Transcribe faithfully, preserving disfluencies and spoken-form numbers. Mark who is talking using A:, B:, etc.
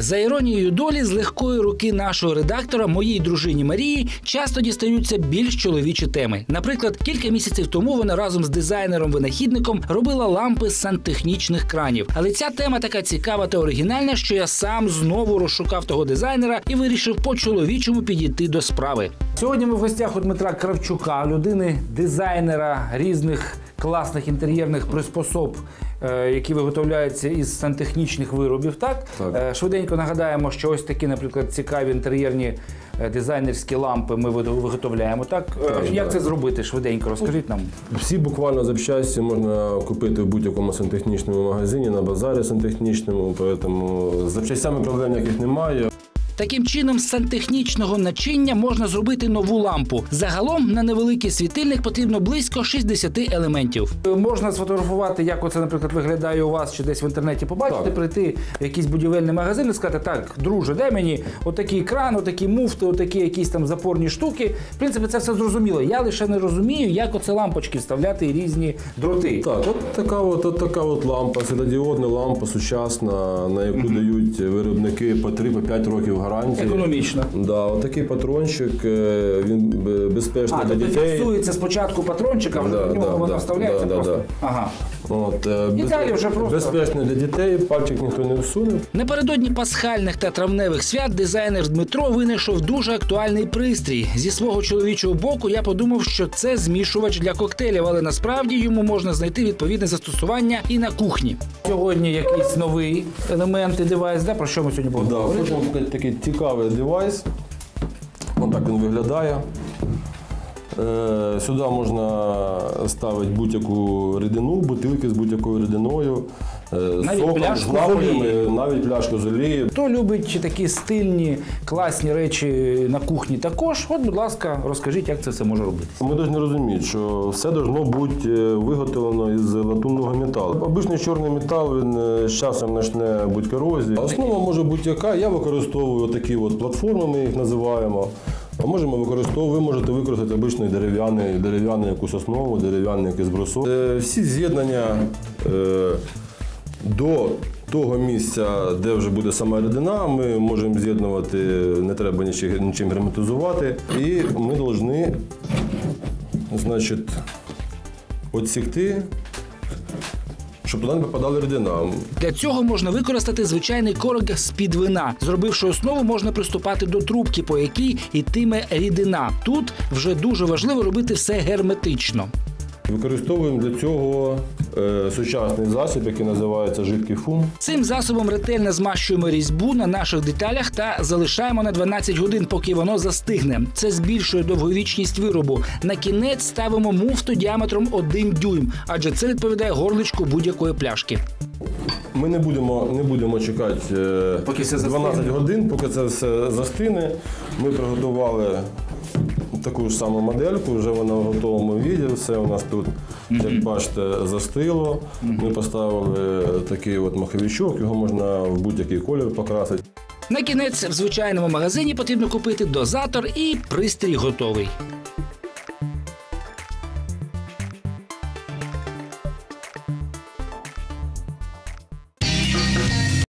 A: За іронією долі, з легкої руки нашого редактора, моїй дружині Марії, часто дістаються більш чоловічі теми. Наприклад, кілька місяців тому вона разом з дизайнером-винахідником робила лампи з сантехнічних кранів. Але ця тема така цікава та оригінальна, що я сам знову розшукав того дизайнера і вирішив по-чоловічому підійти до справи. Сьогодні ми в гостях у Дмитра Кравчука, людини, дизайнера різних класних інтер'єрних приспособ, які виготовляються із сантехнічних виробів. Так? Так. Швиденько нагадаємо, що ось такі, наприклад, цікаві інтер'єрні дизайнерські лампи ми виготовляємо. Так? Так, Як так. це зробити? Швиденько розкажіть нам.
B: Всі буквально запчасті можна купити в будь-якому сантехнічному магазині, на базарі сантехнічному, тому з запчастями проблем ніяких немає.
A: Таким чином, з сантехнічного начиння можна зробити нову лампу. Загалом на невеликий світильник потрібно близько шістдесят елементів. Можна сфотографувати, як оце, наприклад, виглядає у вас, чи десь в інтернеті побачити, так. прийти в якийсь будівельний магазин і сказати: так, друже, дай мені отакий кран, отакі муфти, отакі якісь там запорні штуки. В принципі, це все зрозуміло. Я лише не розумію, як оце лампочки вставляти і різні дроти.
B: Так, от така от, от така от лампа, світлодіодна лампа сучасна, на яку mm-hmm. дають виробники по три-п'ять років гарантії.
A: Економічно.
B: Да, отакий патрончик, він безпечний
A: а,
B: для дітей. А, тобто
A: фіксується спочатку патрончик, а вже
B: да,
A: до нього
B: да,
A: воно
B: да,
A: вставляється
B: да,
A: просто.
B: Да.
A: Ага.
B: От,
A: і
B: без...
A: далі вже просто...
B: Безпечний для дітей, пальчик ніхто не всуне.
A: Напередодні пасхальних та травневих свят дизайнер Дмитро винайшов дуже актуальний пристрій. Зі свого чоловічого боку я подумав, що це змішувач для коктейлів, але насправді йому можна знайти відповідне застосування і на кухні. Сьогодні якийсь новий елемент і девайс, да? Про що ми сьогодні будемо
B: да,
A: говорити?
B: Хочемо показати такий цікавий девайс. Ось так він виглядає. Сюди можна ставити будь-яку рідину, бутилки з будь-якою рідиною,
A: навіть
B: соком,
A: пляшку
B: з напоями,
A: з олією.
B: навіть пляшку з олією.
A: Хто любить такі стильні, класні речі на кухні також, от, будь ласка, розкажіть, як це все може робити.
B: Ми повинні розуміти, що все має бути виготовлено із латунного металу. Обичний чорний метал, він з часом почне бути корозією. Основа може бути яка, я використовую такі от платформи, ми їх називаємо. А можемо використовувати, ви можете використати обичний дерев'яний, дерев'яну якусь основу, дерев'яний якийсь брусок. Е, всі з'єднання е, до того місця, де вже буде сама рідина, ми можемо з'єднувати, не треба нічим, нічим герметизувати. І ми повинні, значить, відсікти, щоб туди не попадала рідина.
A: Для цього можна використати звичайний корок з-під вина. Зробивши основу, можна приступати до трубки, по якій йтиме рідина. Тут вже дуже важливо робити все герметично.
B: Використовуємо для цього е, сучасний засіб, який називається жидкий фум.
A: Цим засобом ретельно змащуємо різьбу на наших деталях та залишаємо на дванадцять годин, поки воно застигне. Це збільшує довговічність виробу. На кінець ставимо муфту діаметром один дюйм, адже це відповідає горличку будь-якої пляшки.
B: Ми не будемо, не будемо чекати е,
A: поки все
B: дванадцять годин, поки це все застине. Ми приготували таку ж саму модельку, вже вона в готовому віді, все у нас тут, mm-hmm. як бачите, застило. Mm-hmm. Ми поставили такий от маховичок, його можна в будь-який колір покрасити.
A: На кінець в звичайному магазині потрібно купити дозатор і пристрій готовий.